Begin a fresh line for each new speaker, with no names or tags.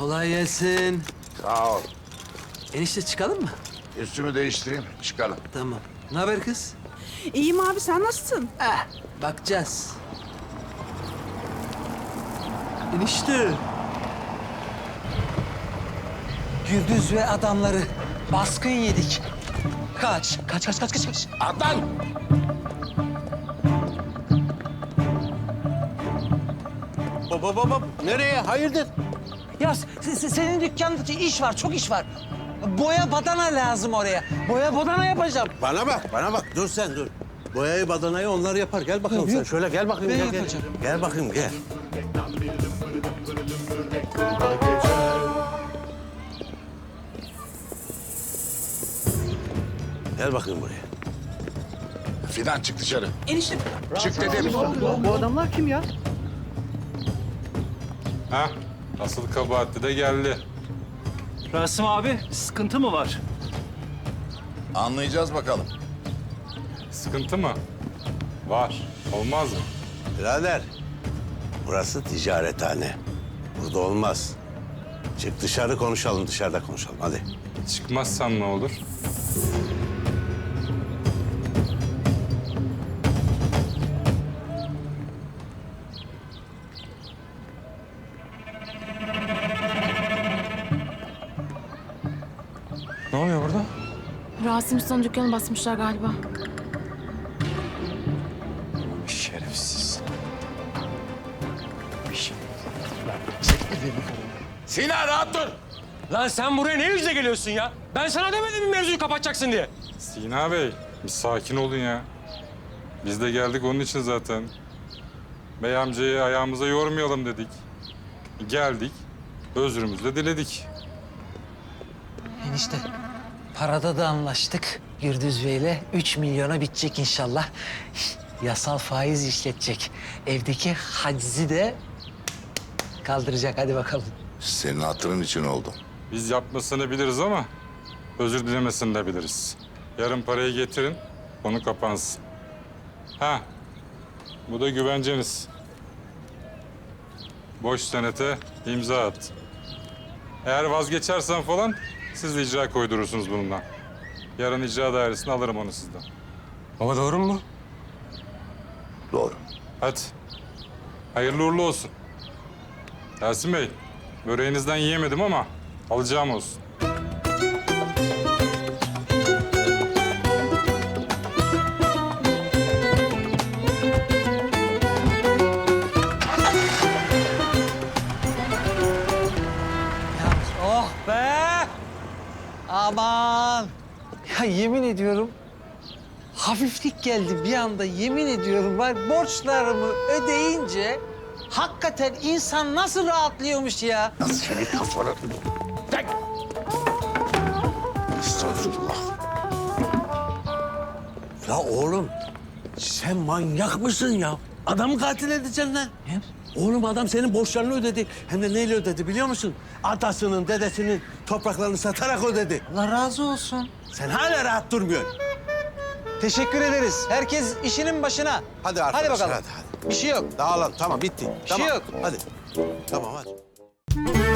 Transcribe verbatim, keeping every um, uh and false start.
Kolay gelsin.
Sağ ol.
Enişte çıkalım mı?
Üstümü değiştireyim, çıkalım.
Tamam. Ne haber kız?
İyiyim abi, sen nasılsın?
Eh, bakacağız. Enişte.
Gürdüz ve adamları baskın yedik. Kaç, kaç, kaç, kaç, kaç, kaç.
Adnan!
Baba baba nereye? Hayırdır?
Ya se- se- senin dükkanda iş var, çok iş var. Boya badana lazım oraya. Boya badana yapacağım.
Bana bak, bana bak. Dur sen dur. Boyayı badanayı onlar yapar. Gel bakalım
Yok,
sen.
yok.
Şöyle gel bakayım.
Ben
gel, gel.
yapacağım.
Gel bakayım gel. Gel bakayım buraya.
Fidan çık dışarı.
Enişte,
Çık dedim.
bu adamlar kim ya?
Ha, asıl kabahatli de geldi.
Rasim abi, sıkıntı mı var?
Anlayacağız bakalım.
Sıkıntı mı? Var. Olmaz mı?
Birader, burası ticarethane. Burada olmaz. Çık dışarı konuşalım, dışarıda konuşalım. Hadi.
Çıkmazsan ne olur?
Ne oluyor burada?
Rasim Usta'nın dükkanı basmışlar galiba.
Şerefsiz.
Sinan rahat dur!
Lan sen buraya ne yüzle geliyorsun ya? Ben sana demedim mi mevzuyu kapatacaksın diye?
Sina Bey, bir sakin olun ya. Biz de geldik onun için zaten. Bey amcayı ayağımıza yormayalım dedik. Geldik, özrümüzü de diledik.
Enişte, parada da anlaştık Gürdüz Bey'le. Üç milyona bitecek inşallah. Yasal faiz işletecek. Evdeki hacizi de kaldıracak. Hadi bakalım.
Senin hatırın için oldu.
Biz yapmasını biliriz ama özür dilemesini de biliriz. Yarın parayı getirin, konu kapansın. Ha, bu da güvenceniz. Boş senete imza at. Eğer vazgeçersen falan siz de icra koydurursunuz bununla. Yarın icra dairesine alırım onu sizden.
Baba doğru mu?
Doğru.
Hadi. Hayırlı uğurlu olsun. Yasin Bey, böreğinizden yiyemedim ama alacağım olsun.
Oh be! Aman! Ya yemin ediyorum hafiflik geldi bir anda, yemin ediyorum. Var borçlarımı ödeyince hakikaten insan nasıl rahatlıyormuş ya?
Nasıl seni kafana... Tek! Estağfurullah.
Ya oğlum, sen manyak mısın ya? Adamı katil edeceksin lan.
Ne?
Oğlum adam senin borçlarını ödedi. Hem de neyle ödedi biliyor musun? Atasının, dedesinin topraklarını satarak ödedi.
Allah razı olsun.
Sen hala rahat durmuyorsun.
Teşekkür ederiz. Herkes işinin başına.
Hadi arkadaşlar,
Hadi bakalım.
hadi, hadi.
Bir şey yok.
Dağılın, tamam bitti.
Bir şey
tamam.
yok.
Hadi. Tamam hadi.